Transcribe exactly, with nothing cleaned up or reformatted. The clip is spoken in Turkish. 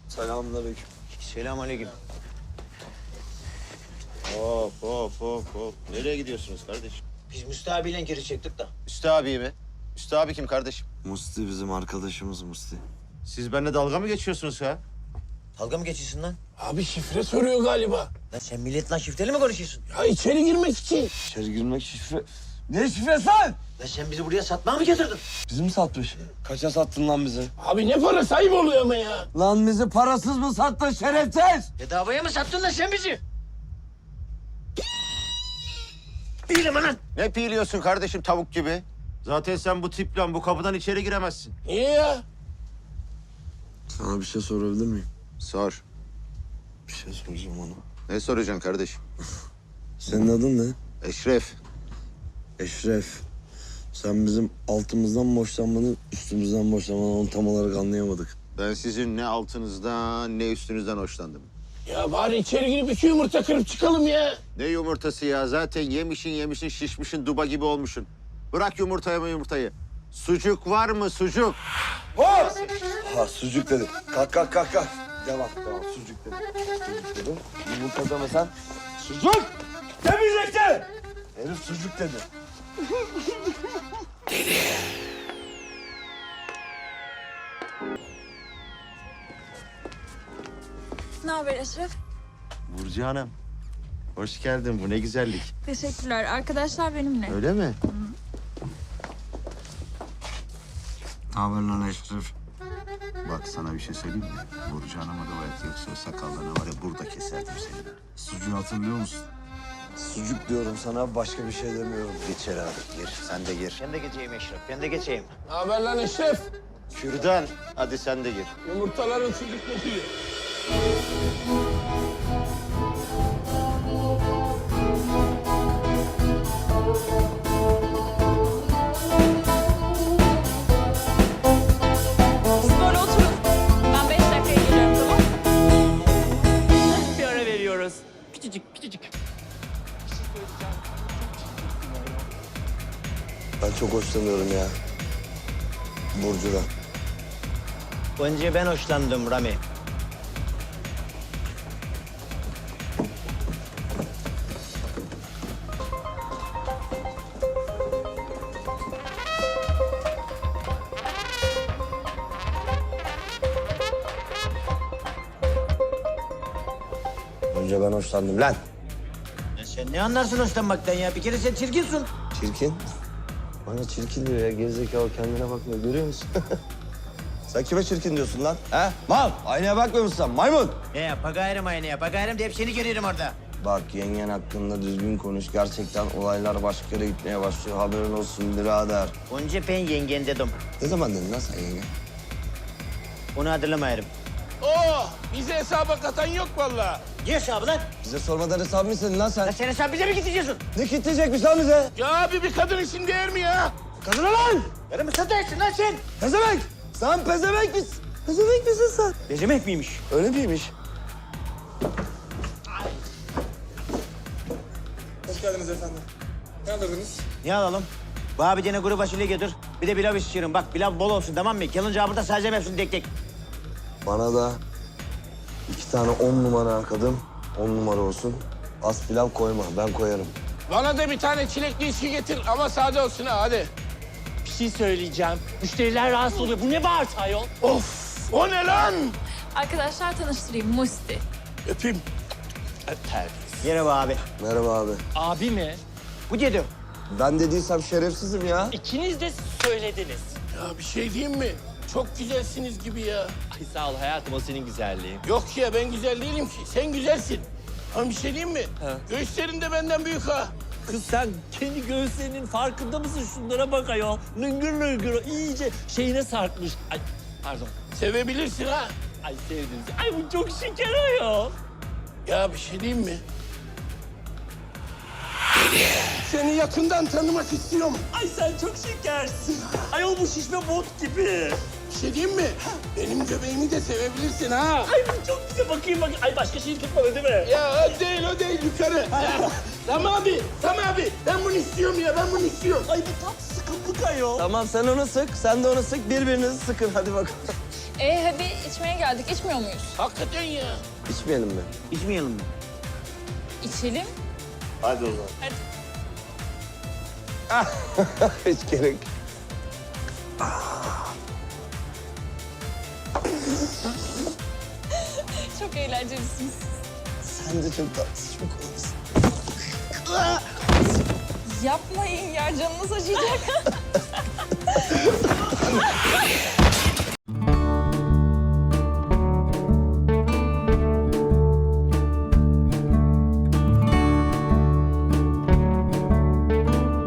Selamünaleyküm. Selamünaleyküm. Hop hop hop hop. Nereye gidiyorsunuz kardeşim? Biz Müstü abiyle geri çektik da. Üstü abi mi? Üstü abi kim kardeşim? Musti bizim arkadaşımız Musti. Siz benimle dalga mı geçiyorsunuz ha? Dalga mı geçiyorsun lan? Abi şifre soruyor galiba. Lan sen milletle şifreli mi konuşuyorsun? Ya içeri girmek için. İçeri girmek şifre... Ne şifresi lan? Lan sen bizi buraya satmaya mı getirdin? Bizi mi satmış? Kaça sattın lan bizi? Abi ne para sahip oluyor ama ya. Lan bizi parasız mı sattın şerefsiz? Bedavaya mı sattın lan sen bizi? Değilim lan. Ne piyliyorsun kardeşim tavuk gibi? Zaten sen bu tiple bu kapıdan içeri giremezsin. Niye ya? Sana bir şey sorabilir miyim? Sor. Bir şey soracağım ona. Ne soracaksın kardeşim? Senin adın ne? Eşref. Eşref. Sen bizim altımızdan mı hoşlanmanı, üstümüzden mi hoşlanmanı onu tam olarak anlayamadık. Ben sizin ne altınızdan ne üstünüzden hoşlandım. Ya bari içeri girip iki yumurta kırıp çıkalım ya. Ne yumurtası ya? Zaten yemişin yemişin şişmişin duba gibi olmuşsun. Bırak yumurtayı mı yumurtayı. Sucuk var mı sucuk? Ha sucuk dedi. Kalk kalk kalk kalk. Devam devam sucuk dedi. Sucuk dedim. Yumurta demesen sucuk demeyecektin. Herif sucuk dedi. Ne haber Eşref? Burcu Hanım. Hoş geldin. Bu ne güzellik. Teşekkürler. Arkadaşlar benimle. Öyle mi? Ne haber lan Eşref? Bak sana bir şey söyleyeyim mi? Burcu Hanım'a da bayat yoksa o sakallarına var ya burada keserdim seni. Sucuğu hatırlıyor musun? Sucuk diyorum sana başka bir şey demiyorum. Gir içeri abi gir. Sen de gir. Ben de geçeyim Eşref, ben de geçeyim. Ne haber lan Eşref? Kürdan. Hadi sen de gir. Yumurtaların sucuk kokuyor. Siz böyle oturun. Ben beş dakikaya geliyorum, tamam? Bir ara veriyoruz. Küçücük, küçücük. Ben çok hoşlanıyorum ya. Burcu'dan. Önce ben hoşlandım Rami. Önce ben hoşlandım lan. Ya sen ne anlarsın hoşlanmaktan ya? Bir kere sen çirkinsin. Çirkin. Bana çirkin diyor ya. Gerizekalı kendine bakmıyor. Görüyor musun? Sen kime çirkin diyorsun lan? He? Mal. Aynaya bakmıyor musun sen? Maymun. Ne ya? Pagayırım aynı ya. Pagayırım deyip seni görüyorum orada. Bak yengen hakkında düzgün konuş. Gerçekten olaylar başka yere gitmeye başlıyor. Haberin olsun birader. Önce ben yengen dedim. Ne zaman dedin lan sen yenge? Onu hatırlamayarım. Oh, bize hesaba katan yok vallahi. Ne hesabı lan? Bize sormadan hesap mı istedin lan sen? Lan sen hesabı bize mi gideceksin? Ne kitleyecekmiş lan bize? Ya abi bir kadın için değer mi ya? Kadına lan! Yarın mı satarsın lan sen? Pezevenk! Sen pezevenk misin? Pezevenk misin sen? Bezemek miymiş? Öyle miymiş? Ne alalım? Bana bir tane kuru fasulye getir. Bir de pilav istiyorum. Bak pilav bol olsun tamam mı? Gelince burada sadece hepsini tek tek. Bana da iki tane on numara kadın, on numara olsun. Az pilav koyma, ben koyarım. Bana da bir tane çilekli içki getir ama sade olsun ha hadi. Bir şey söyleyeceğim. Müşteriler rahatsız oluyor. Bu ne bağırtı ayol? Of, o ne lan? Arkadaşlar tanıştırayım. Musti. Öpeyim. Terbiyesiz. Merhaba abi. Merhaba abi. Abi mi? Bu dedim. Ben dediysem şerefsizim ya. İkiniz de söylediniz. Ya bir şey diyeyim mi? Çok güzelsiniz gibi ya. Ay sağ ol hayatım, o senin güzelliğin. Yok ya ben güzel değilim ki. Sen güzelsin. Ama bir şey diyeyim mi? Ha. Göğüslerin de benden büyük ha. Kız sen kendi göğüslerinin farkında mısın? Şunlara bak ayol. Lıngır lıngır iyice şeyine sarkmış. Ay pardon. Sevebilirsin ha. Ay sevdim. Ay bu çok şeker ayol. Ya bir şey diyeyim mi? Seni yakından tanımak istiyorum. Ay sen çok şekersin. Ayol bu şişme bot gibi. Bir şey diyeyim mi? Benim göbeğimi de sevebilirsin ha. Ay bu çok güzel. Bakayım bakayım. Ay başka şey tutmadı değil mi? Ya o değil o değil yukarı. Ya, Tamam abi, tamam abi. Ben bunu istiyorum ya, ben bunu istiyorum. Ay bu tam sıkıntılık ayol. Tamam sen onu sık, sen de onu sık. Birbirinizi sıkın hadi bakalım. E hadi içmeye geldik. İçmiyor muyuz? Hakikaten ya. İçmeyelim mi? İçmeyelim mi? İçelim. Hadi o zaman. Hadi. Hiç gerek. Çok eğlencelisiniz. Sen de çok tatlısın, çok kolayısın. Yapmayın ya, canınız acıyacak.